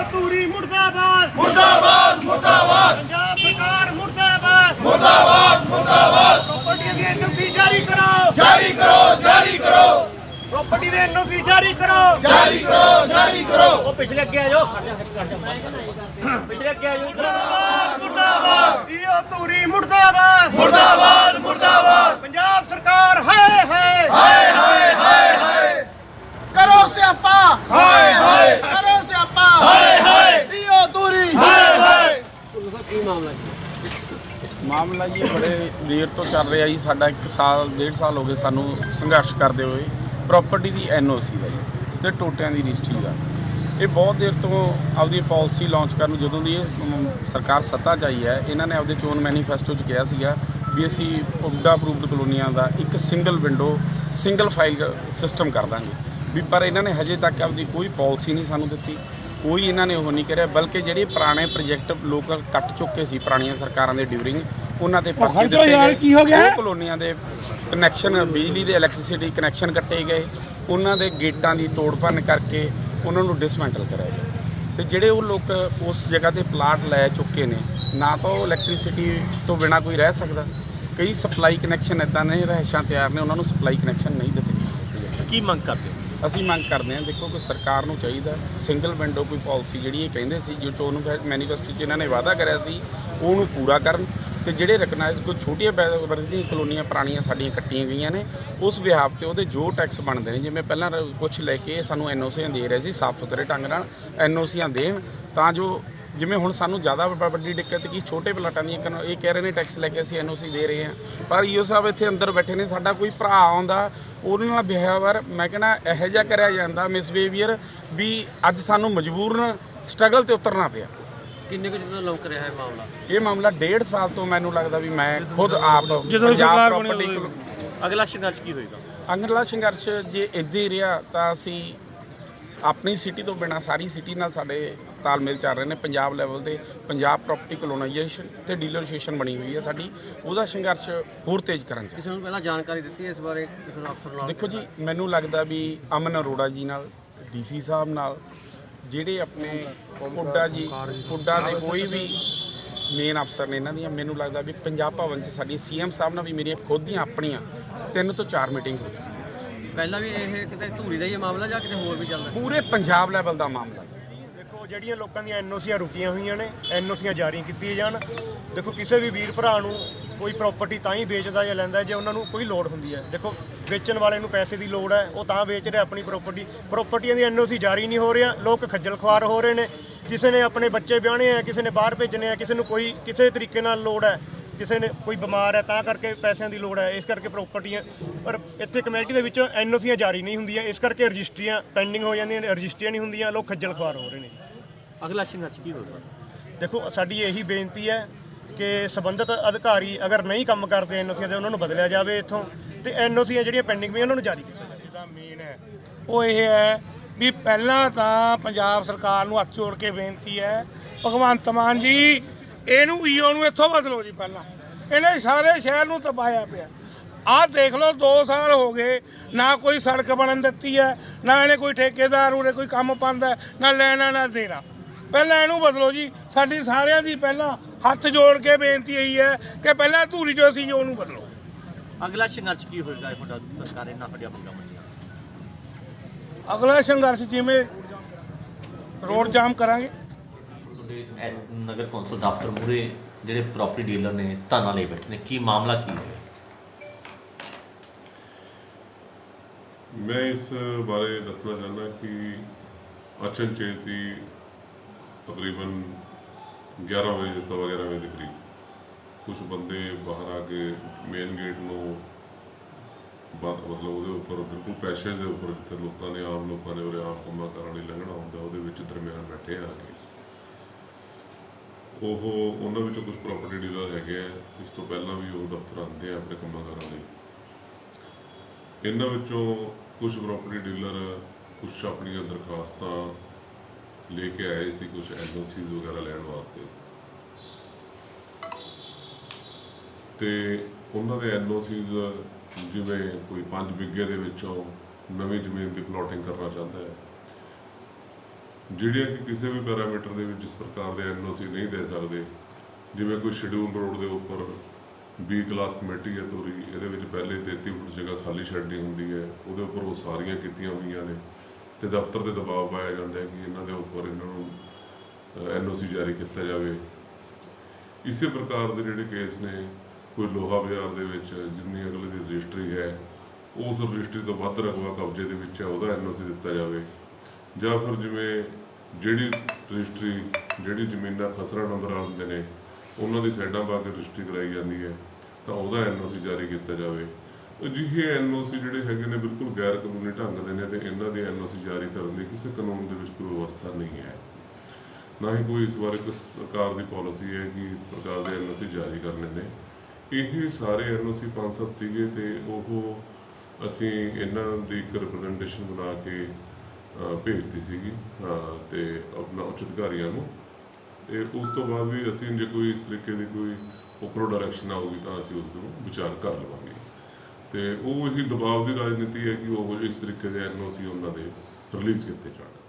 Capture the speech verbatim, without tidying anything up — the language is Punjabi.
ਧੂਰੀ ਮੁਰਦਾਬਾਦ ਮੁਰਦਾਬਾਦ ਮੁਰਦਾਬਾਦ ਪੰਜਾਬ ਸਰਕਾਰ ਮੁਰਦਾਬਾਦ ਮੁਰਦਾਬਾਦ ਮੁਰਦਾਬਾਦ ਪ੍ਰਾਪਰਟੀ ਦੀ ਐਨਓਸੀ ਜਾਰੀ ਕਰੋ ਜਾਰੀ ਕਰੋ ਜਾਰੀ ਕਰੋ ਪ੍ਰਾਪਰਟੀ ਦੀ ਐਨਓਸੀ ਜਾਰੀ ਕਰੋ ਜਾਰੀ ਕਰੋ ਜਾਰੀ ਕਰੋ ਉਹ ਪਿਛਲੇ ਅੱਗੇ ਆ ਜਾਓ ਪਿਛਲੇ ਅੱਗੇ ਆ ਜਾਓ ਮੁਰਦਾਬਾਦ ਇਹ ਧੂਰੀ ਮੁਰਦਾਬਾਦ ਮੁਰਦਾਬਾਦ ਮੁਰਦਾਬਾਦ ਪੰਜਾਬ ਸਰਕਾਰ ਹਾਏ ਹਾਏ ਹਾਏ ਹਾਏ ਹਾਏ ਹਾਏ ਕਰੋ ਸਿਆਪਾ ਹਾਏ ਹਾਏ ਕਰੋ ਸਿਆਪਾ ਹਾਏ ਹਾਏ ਦਿਓ ਦੂਰੀ ਹਾਏ ਹਾਏ ਮਾਮਲਾ ਜੀ ਬੜੇ ਦੇਰ ਤੋਂ ਚੱਲ ਰਿਹਾ ਜੀ। ਸਾਡਾ ਇੱਕ ਸਾਲ ਡੇਢ ਸਾਲ ਹੋ ਗਏ ਸਾਨੂੰ ਸੰਘਰਸ਼ ਕਰਦੇ ਹੋਏ ਪ੍ਰਾਪਰਟੀ ਦੀ ਐਨ ਓ ਸੀ ਦਾ ਜੀ ਅਤੇ ਟੋਟਿਆਂ ਦੀ ਰਜਿਸਟਰੀ ਦਾ। ਇਹ ਬਹੁਤ ਦੇਰ ਤੋਂ ਆਪਦੀ ਪਾਲਿਸੀ ਲਾਂਚ ਕਰਨ ਨੂੰ, ਜਦੋਂ ਦੀ ਇਹ ਅਮ, ਸਰਕਾਰ ਸੱਤਾ 'ਚ ਆਈ ਹੈ, ਇਹਨਾਂ ਨੇ ਆਪਦੇ ਚੋਣ ਮੈਨੀਫੈਸਟੋ 'ਚ ਕਿਹਾ ਸੀਗਾ ਵੀ ਅਸੀਂ ਪੁੱਡਾ ਅਪਰੂਵਡ ਕਲੋਨੀਆਂ ਦਾ ਇੱਕ single window single file system ਕਰ ਦਾਂਗੇ ਵੀ। ਪਰ ਇਹਨਾਂ ਨੇ ਹਜੇ ਤੱਕ ਆਪਦੀ ਕੋਈ ਪਾਲਿਸੀ ਨਹੀਂ ਸਾਨੂੰ ਦਿੱਤੀ, ਕੋਈ ਇਹਨਾਂ ਨੇ ਉਹ ਨਹੀਂ ਕਰਿਆ। ਬਲਕਿ ਜਿਹੜੇ ਪੁਰਾਣੇ ਪ੍ਰੋਜੈਕਟ ਲੋਕ ਕੱਟ ਚੁੱਕੇ ਸੀ ਪੁਰਾਣੀਆਂ ਸਰਕਾਰਾਂ ਦੇ ਡਿਊਰਿੰਗ, ਉਹਨਾਂ ਦੇ ਪਰਚੇ ਦਿੱਤੇ ਗਏ। ਕੀ ਹੋ ਗਿਆ? ਕਲੋਨੀਆਂ ਦੇ ਕਨੈਕਸ਼ਨ, ਬਿਜਲੀ ਦੇ ਇਲੈਕਟ੍ਰਿਸਿਟੀ ਕਨੈਕਸ਼ਨ ਕੱਟੇ ਗਏ, ਉਹਨਾਂ ਦੇ ਗੇਟਾਂ ਦੀ ਤੋੜ ਭੰਨ ਕਰਕੇ ਉਹਨਾਂ ਨੂੰ ਡਿਸਮੈਂਟਲ ਕਰਿਆ ਗਿਆ। ਅਤੇ ਜਿਹੜੇ ਉਹ ਲੋਕ ਉਸ ਜਗ੍ਹਾ 'ਤੇ ਪਲਾਟ ਲੈ ਚੁੱਕੇ ਨੇ, ਨਾ ਤਾਂ ਉਹ ਇਲੈਕਟ੍ਰਿਸਿਟੀ ਤੋਂ ਬਿਨਾਂ ਕੋਈ ਰਹਿ ਸਕਦਾ। ਕਈ ਸਪਲਾਈ ਕਨੈਕਸ਼ਨ ਇੱਦਾਂ ਨੇ, ਰਿਹਾਇਸ਼ਾਂ ਤਿਆਰ ਨੇ, ਉਹਨਾਂ ਨੂੰ ਸਪਲਾਈ ਕਨੈਕਸ਼ਨ ਨਹੀਂ ਦਿੱਤੇ। ਕੀ ਮੰਗ ਕਰਦੇ ਹੋ? ਅਸੀਂ ਮੰਗ ਕਰਦੇ ਹਾਂ, ਦੇਖੋ ਕਿ ਸਰਕਾਰ ਨੂੰ ਚਾਹੀਦਾ ਸਿੰਗਲ ਵਿੰਡੋ ਕੋਈ ਪਾਲਿਸੀ ਜਿਹੜੀ ਇਹ ਕਹਿੰਦੇ ਸੀ, ਜੋ ਚੋਣ ਮੈਨੀਫੈਸਟੋ 'ਚ ਇਹਨਾਂ ਨੇ ਵਾਅਦਾ ਕਰਿਆ ਸੀ, ਉਹਨੂੰ ਪੂਰਾ ਕਰਨ। ਅਤੇ ਜਿਹੜੇ ਰਿਕਗਨਾਈਜ਼ ਕੋਈ ਛੋਟੀਆਂ ਵਰਗ ਦੀਆਂ ਕਲੋਨੀਆਂ ਪੁਰਾਣੀਆਂ ਸਾਡੀਆਂ ਕੱਟੀਆਂ ਗਈਆਂ ਨੇ, ਉਸ ਵਿਹਾਰ 'ਤੇ ਉਹਦੇ ਜੋ ਟੈਕਸ ਬਣਦੇ ਨੇ, ਜਿਵੇਂ ਪਹਿਲਾਂ ਕੁਛ ਲੈ ਕੇ ਸਾਨੂੰ ਐਨ ਓ ਸੀਆਂ ਦੇ ਰਹੇ ਸੀ, ਸਾਫ਼ ਸੁਥਰੇ ਢੰਗ ਨਾਲ ਐਨ ਓ ਸੀਆਂ ਦੇਣ, ਤਾਂ ਜੋ ਜਿਵੇਂ ਹੁਣ ਸਾਨੂੰ ਜ਼ਿਆਦਾ ਵੱਡੀ ਦਿੱਕਤ ਕੀ ਛੋਟੇ ਪਲਾਟਾਂ ਦੀਆਂ, ਇਹ ਕਹਿ ਰਹੇ ਨੇ ਟੈਕਸ ਲੈ ਕੇ ਅਸੀਂ ਐਨ ਓ ਸੀ ਦੇ ਰਹੇ ਹਾਂ, ਪਰ ਈਓ ਸਾਹਿਬ ਇੱਥੇ ਅੰਦਰ ਬੈਠੇ ਨੇ, ਸਾਡਾ ਕੋਈ ਭਰਾ ਆਉਂਦਾ ਉਹਨਾਂ ਨਾਲ ਬਿਹੇਵੀਅਰ ਮੈਂ ਕਹਿੰਦਾ ਇਹੋ ਜਿਹਾ ਕਰਿਆ ਜਾਂਦਾ, ਮਿਸਬੀਹੇਵੀਅਰ, ਵੀ ਅੱਜ ਸਾਨੂੰ ਮਜਬੂਰਨ ਸਟਰਗਲ 'ਤੇ ਉਤਰਨਾ ਪਿਆ। ਕਿੰਨੇ ਕੁ ਦਿਨ ਲੌਂਕ ਰਿਹਾ ਇਹ ਮਾਮਲਾ? ਇਹ ਮਾਮਲਾ ਡੇਢ ਸਾਲ ਤੋਂ ਮੈਨੂੰ ਲੱਗਦਾ ਵੀ ਮੈਂ ਖੁਦ ਆਪ ਜਦੋਂ ਸਰਕਾਰ ਬਣੀ property ਹੋਈ। ਅਗਲਾ ਸੰਘਰਸ਼ ਕੀ ਹੋਏਗਾ? ਅਗਲਾ ਸੰਘਰਸ਼ ਜੇ ਇੱਦਾਂ ਹੀ ਰਿਹਾ ਤਾਂ ਅਸੀਂ ਆਪਣੀ ਸਿਟੀ ਤੋਂ ਬਿਨਾਂ ਸਾਰੀ ਸਿਟੀ ਨਾਲ ਸਾਡੇ ਤਾਲਮੇਲ ਚੱਲ ਰਹੇ ਨੇ। ਪੰਜਾਬ ਲੈਵਲ 'ਤੇ ਪੰਜਾਬ ਪ੍ਰਾਪਰਟੀ ਕਲੋਨਾਈਜੇਸ਼ਨ ਅਤੇ ਡੀਲਰਸ਼ੇਸ਼ਨ ਬਣੀ ਹੋਈ ਹੈ ਸਾਡੀ, ਉਹਦਾ ਸੰਘਰਸ਼ ਹੋਰ ਤੇਜ਼ ਕਰਨ 'ਚ। ਕਿਸੇ ਨੂੰ ਪਹਿਲਾਂ ਜਾਣਕਾਰੀ ਦਿੱਤੀ ਇਸ ਬਾਰੇ ਕਿਸੇ ਨੂੰ ਅਫਸਰ ਨਾਲ? ਦੇਖੋ ਜੀ, ਮੈਨੂੰ ਲੱਗਦਾ ਵੀ ਅਮਨ ਅਰੋੜਾ ਜੀ ਨਾਲ, ਡੀ ਸੀ ਸਾਹਿਬ ਨਾਲ, ਜਿਹੜੇ ਆਪਣੇ ਪੁੱਡਾ ਜੀ ਪੁੱਡਾ ਦੇ ਕੋਈ ਵੀ ਮੇਨ ਅਫਸਰ ਨੇ ਇਹਨਾਂ ਦੀਆਂ, ਮੈਨੂੰ ਲੱਗਦਾ ਵੀ ਪੰਜਾਬ ਭਵਨ 'ਚ ਸਾਡੀ ਸੀ ਐਮ ਸਾਹਿਬ ਨਾਲ ਵੀ ਮੇਰੀਆਂ ਖੁਦ ਦੀਆਂ ਆਪਣੀਆਂ ਤਿੰਨ ਤੋਂ ਚਾਰ ਮੀਟਿੰਗ ਹੋ ਚੁੱਕੀਆਂ। ਪਹਿਲਾਂ ਵੀ ਇਹ ਕਿਤੇ ਧੂਰੀ ਦਾ ਹੀ ਮਾਮਲਾ ਜਾਂ ਕਿਤੇ ਹੋਰ ਵੀ ਚੱਲਦਾ? ਪੂਰੇ ਪੰਜਾਬ ਲੈਵਲ ਦਾ ਮਾਮਲਾ। ਦੇਖੋ, ਜਿਹੜੀਆਂ ਲੋਕਾਂ ਦੀਆਂ ਐਨ ਓ ਸੀਆਂ ਰੁਕੀਆਂ ਹੋਈਆਂ ਨੇ, ਐਨ ਓ ਸੀਆਂ ਜਾਰੀ ਕੀਤੀਆਂ ਜਾਣ। ਦੇਖੋ, ਕਿਸੇ ਵੀ ਵੀਰ ਭਰਾ ਨੂੰ ਕੋਈ ਪ੍ਰਾਪਰਟੀ ਤਾਂ ਹੀ ਵੇਚਦਾ ਜਾਂ ਲੈਂਦਾ ਜੇ ਉਹਨਾਂ ਨੂੰ ਕੋਈ ਲੋੜ ਹੁੰਦੀ ਹੈ। ਦੇਖੋ, ਵੇਚਣ ਵਾਲੇ ਨੂੰ ਪੈਸੇ ਦੀ ਲੋੜ ਹੈ, ਉਹ ਤਾਂ ਵੇਚ ਰਿਹਾ ਆਪਣੀ ਪ੍ਰਾਪਰਟੀ। ਪ੍ਰਾਪਰਟੀਆਂ ਦੀ ਐਨ ਓ ਸੀ ਜਾਰੀ ਨਹੀਂ ਹੋ ਰਿਹਾ, ਲੋਕ ਖੱਜਲ ਖੁਆਰ ਹੋ ਰਹੇ ਨੇ। ਕਿਸੇ ਨੇ ਆਪਣੇ ਬੱਚੇ ਵਿਆਹਣੇ ਆ, ਕਿਸੇ ਨੇ ਬਾਹਰ ਭੇਜਣੇ ਆ, ਕਿਸੇ ਨੂੰ ਕੋਈ ਕਿਸੇ ਤਰੀਕੇ ਨਾਲ ਲੋੜ ਹੈ, ਕਿਸੇ ਨੇ ਕੋਈ ਬਿਮਾਰ ਹੈ ਤਾਂ ਕਰਕੇ ਪੈਸਿਆਂ ਦੀ ਲੋੜ ਹੈ, ਇਸ ਕਰਕੇ ਪ੍ਰਾਪਰਟੀਆਂ। ਪਰ ਇੱਥੇ ਕਮੇਟੀ ਦੇ ਵਿੱਚੋਂ ਐਨ ਓ ਸੀਆਂ ਜਾਰੀ ਨਹੀਂ ਹੁੰਦੀਆਂ, ਇਸ ਕਰਕੇ ਰਜਿਸਟਰੀਆਂ ਪੈਂਡਿੰਗ ਹੋ ਜਾਂਦੀਆਂ ਨੇ, ਰਜਿਸਟਰੀਆਂ ਨਹੀਂ ਹੁੰਦੀਆਂ, ਲੋਕ ਖੱਜਲ ਖੁਆਰ ਹੋ ਰਹੇ ਨੇ। ਅਗਲਾ ਸੰਘਰਸ਼ ਕੀ ਹੋਵੇਗਾ? ਦੇਖੋ, ਸਾਡੀ ਇਹੀ ਬੇਨਤੀ ਹੈ ਕਿ ਸੰਬੰਧਿਤ ਅਧਿਕਾਰੀ ਅਗਰ ਨਹੀਂ ਕੰਮ ਕਰਦੇ ਐਨ ਓ ਸੀਆਂ ਦੇ, ਉਹਨਾਂ ਨੂੰ ਬਦਲਿਆ ਜਾਵੇ ਇੱਥੋਂ, ਤੇ ਐਨ ਓ ਸੀਆਂ ਜਿਹੜੀਆਂ ਪੈਂਡਿੰਗ ਵੀ ਉਹਨਾਂ ਨੂੰ ਜਾਰੀ ਕੀਤਾ ਜਾਵੇ। ਜਿਹਦਾ ਮੇਨ ਹੈ ਉਹ ਇਹ ਹੈ ਵੀ ਪਹਿਲਾਂ ਤਾਂ ਪੰਜਾਬ ਸਰਕਾਰ ਨੂੰ ਹੱਥ ਜੋੜ ਕੇ ਬੇਨਤੀ ਹੈ, ਭਗਵੰਤ ਮਾਨ ਜੀ, ਇਹਨੂੰ ਈਓ ਨੂੰ ਇੱਥੋਂ ਬਦਲੋ ਜੀ। ਪਹਿਲਾਂ ਇਹਨੇ ਸਾਰੇ ਸ਼ਹਿਰ ਨੂੰ ਤਬਾਇਆ ਪਿਆ। ਆਹ ਦੇਖ ਲਓ, ਦੋ ਸਾਲ ਹੋ ਗਏ, ਨਾ ਕੋਈ ਸੜਕ ਬਣਨ ਦਿੱਤੀ ਹੈ, ਨਾ ਇਹਨੇ ਕੋਈ ਠੇਕੇਦਾਰ ਉਰੇ ਕੋਈ ਕੰਮ ਪਾਉਂਦਾ, ਨਾ ਲੈਣਾ ਨਾ ਦੇਣਾ। ਪਹਿਲਾਂ ਇਹਨੂੰ ਬਦਲੋ ਜੀ। ਸਾਡੀ ਸਾਰਿਆਂ ਦੀ ਪਹਿਲਾਂ ਹੱਥ ਜੋੜ ਕੇ ਬੇਨਤੀ ਇਹੀ ਹੈ ਕਿ ਪਹਿਲਾਂ ਧੂਰੀ ਜੋ ਸੀ ਉਹਨੂੰ ਬਦਲੋ। ਅਗਲਾ ਸੰਘਰਸ਼ ਕੀ ਹੋਏਗਾ ਤੁਹਾਡਾ? ਸਰਕਾਰ ਇਹਨਾਂ ਸਾਡੀਆਂ ਮੰਗਾਂ ਮੰਨੀਆਂ। ਅਗਲਾ ਸੰਘਰਸ਼ ਜਿਵੇਂ ਰੋਡ ਜਾਮ ਕਰਾਂਗੇ। ਤੁਹਾਡੇ ਨਗਰ ਕੌਂਸਲ ਦਫ਼ਤਰ ਮੂਹਰੇ ਜਿਹੜੇ ਪ੍ਰਾਪਰਟੀ ਡੀਲਰ ਨੇ ਧਰਨਾ ਲਈ ਬੈਠੇ ਨੇ, ਕੀ ਮਾਮਲਾ ਕੀ ਹੈ? ਮੈਂ ਇਸ ਬਾਰੇ ਦੱਸਣਾ ਚਾਹੁੰਦਾ ਕਿ ਅਚਨਚੇਤ ਹੀ ਤਕਰੀਬਨ ਗਿਆਰਾਂ ਵਜੇ ਸਵਾ ਗਿਆਰਾਂ ਵਜੇ ਦੇ ਕਰੀਬ ਕੁਝ ਬੰਦੇ ਬਾਹਰ ਆ ਕੇ ਮੇਨ ਗੇਟ ਨੂੰ ਮਤਲਬ ਉਹਦੇ ਉੱਪਰ ਬਿਲਕੁਲ ਪੈਸੇਜ ਦੇ ਉੱਪਰ, ਜਿੱਥੇ ਲੋਕਾਂ ਨੇ ਆਮ ਲੋਕਾਂ ਨੇ ਉਰੇ ਆਮ ਕੰਮਾਂ ਕਰਨ ਲਈ ਲੰਘਣਾ ਹੁੰਦਾ, ਉਹਦੇ ਵਿੱਚ ਦਰਮਿਆਨ ਬੈਠੇ ਆ ਕੇ ਉਹ ਉਹਨਾਂ ਵਿੱਚੋਂ ਕੁਝ ਪ੍ਰਾਪਰਟੀ ਡੀਲਰ ਹੈਗੇ ਆ, ਇਸ ਤੋਂ ਪਹਿਲਾਂ ਵੀ ਉਹ ਦਫ਼ਤਰ ਆਉਂਦੇ ਆ ਆਪਣੇ ਕੰਮਾਂ ਕਰਨ ਲਈ। ਇਹਨਾਂ ਵਿੱਚੋਂ ਕੁਝ ਪ੍ਰਾਪਰਟੀ ਡੀਲਰ ਕੁਛ ਆਪਣੀਆਂ ਦਰਖਾਸਤਾਂ ਲੈ ਕੇ ਆਏ ਸੀ, ਕੁਛ ਐਨ ਓ ਸੀਜ਼ ਵਗੈਰਾ ਲੈਣ ਵਾਸਤੇ, ਤੇ ਉਹਨਾਂ ਦੇ ਐਨ ਓ ਸੀਜ਼ ਜਿਵੇਂ ਕੋਈ ਪੰਜ ਬਿੱਗੇ ਦੇ ਵਿੱਚੋਂ ਨਵੀਂ ਜ਼ਮੀਨ ਦੀ ਪਲਾਟਿੰਗ ਕਰਨਾ ਚਾਹੁੰਦਾ ਹੈ, ਜਿਹੜੀਆਂ ਕਿ ਕਿਸੇ ਵੀ ਪੈਰਾਮੀਟਰ ਦੇ ਵਿੱਚ ਜਿਸ ਪ੍ਰਕਾਰ ਦੇ ਐਨ ਓ ਸੀ ਨਹੀਂ ਦੇ ਸਕਦੇ, ਜਿਵੇਂ ਕੋਈ ਸ਼ਡਿਊਲ ਰੋਡ ਦੇ ਉੱਪਰ ਬੀ ਕਲਾਸ ਕਮੇਟੀ ਹੈ ਤੋਰੀ, ਇਹਦੇ ਵਿੱਚ ਪਹਿਲੇ ਤੇਤੀ ਫੁੱਟ ਜਗ੍ਹਾ ਖਾਲੀ ਛੱਡਣੀ ਹੁੰਦੀ ਹੈ, ਉਹਦੇ ਉੱਪਰ ਉਹ ਸਾਰੀਆਂ ਕੀਤੀਆਂ ਹੋਈਆਂ ਨੇ ਤੇ ਦਫ਼ਤਰ ਤੇ ਦਬਾਅ ਪਾਇਆ ਜਾਂਦਾ ਹੈ ਕਿ ਇਹਨਾਂ ਦੇ ਉੱਪਰ ਇਹਨਾਂ ਨੂੰ ਐਨ ਓ ਸੀ ਜਾਰੀ ਕੀਤਾ ਜਾਵੇ। ਇਸੇ ਪ੍ਰਕਾਰ ਦੇ ਜਿਹੜੇ ਕੇਸ ਨੇ, ਕੋਈ ਲੋਹਾ ਬਾਜ਼ਾਰ ਦੇ ਵਿੱਚ ਜਿੰਨੀ ਅਗਲੇ ਦੀ ਰਜਿਸਟਰੀ ਹੈ ਉਸ ਰਜਿਸਟਰੀ ਤੋਂ ਵੱਧ ਰਕਬਾ ਕਬਜ਼ੇ ਦੇ ਵਿੱਚ ਹੈ, ਉਹਦਾ ਐਨ ਓ ਸੀ ਦਿੱਤਾ ਜਾਵੇ। ਜਾਂ ਫਿਰ ਜਿਵੇਂ ਜਿਹੜੀ ਰਜਿਸਟਰੀ ਜਿਹੜੀ ਜ਼ਮੀਨਾਂ ਖਸਰਾ ਨੰਬਰ ਆਉਂਦੇ ਨੇ ਉਹਨਾਂ ਦੀ ਸਾਈਡਾਂ ਪਾ ਕੇ ਰਜਿਸਟਰੀ ਕਰਾਈ ਜਾਂਦੀ ਹੈ ਤਾਂ ਉਹਦਾ ਐਨ ਓ ਸੀ ਜਾਰੀ ਕੀਤਾ ਜਾਵੇ। ਅਜਿਹੇ ਐਨ ਓ ਸੀ ਜਿਹੜੇ ਹੈਗੇ ਨੇ ਬਿਲਕੁਲ ਗੈਰ ਕਾਨੂੰਨੀ ਢੰਗ ਦੇ ਨੇ ਤੇ ਇਹਨਾਂ ਦੇ ਐਨ ਓ ਸੀ ਜਾਰੀ ਕਰਨ ਦੀ ਕਿਸੇ ਕਾਨੂੰਨ ਦੇ ਵਿੱਚ ਕੋਈ ਵਿਵਸਥਾ ਨਹੀਂ ਹੈ, ਨਾ ਹੀ ਕੋਈ ਇਸ ਬਾਰੇ ਕੋਈ ਸਰਕਾਰ ਦੀ ਪਾਲਿਸੀ ਹੈ ਕਿ ਇਸ ਪ੍ਰਕਾਰ ਦੇ ਐਨ ਓ ਸੀ ਜਾਰੀ ਕਰਨੇ ਨੇ। ਇਹ ਸਾਰੇ ਐਨ ਓ ਸੀ ਪੰਜ ਸੱਤ ਸੀਗੇ ਤੇ ਉਹ ਅਸੀਂ ਇਹਨਾਂ ਦੀ ਇੱਕ ਰਿਪਰੈਜ਼ੈਂਟੇਸ਼ਨ ਬਣਾ ਕੇ ਭੇਜਤੀ ਸੀਗੀ ਤੇ ਆਪਣਾ ਉੱਚ ਅਧਿਕਾਰੀਆਂ ਨੂੰ। ਤੇ ਉਸ ਤੋਂ ਬਾਅਦ ਵੀ ਅਸੀਂ ਜੇ ਕੋਈ ਇਸ ਤਰੀਕੇ ਦੀ ਕੋਈ ਉੱਪਰੋਂ ਡਾਇਰੈਕਸ਼ਨ ਆਊਗੀ ਤਾਂ ਅਸੀਂ ਉਸ ਨੂੰ ਵਿਚਾਰ ਕਰ ਲਵਾਂਗੇ। ਤੇ ਉਹ ਇਹੀ ਦਬਾਅ ਦੀ ਰਾਜਨੀਤੀ ਹੈ ਕਿ ਉਹ ਇਸ ਤਰੀਕੇ ਦੇ ਐਨ ਓ ਸੀ ਉਹਨਾਂ ਦੇ ਰਿਲੀਜ਼ ਕੀਤੇ ਜਾਣ।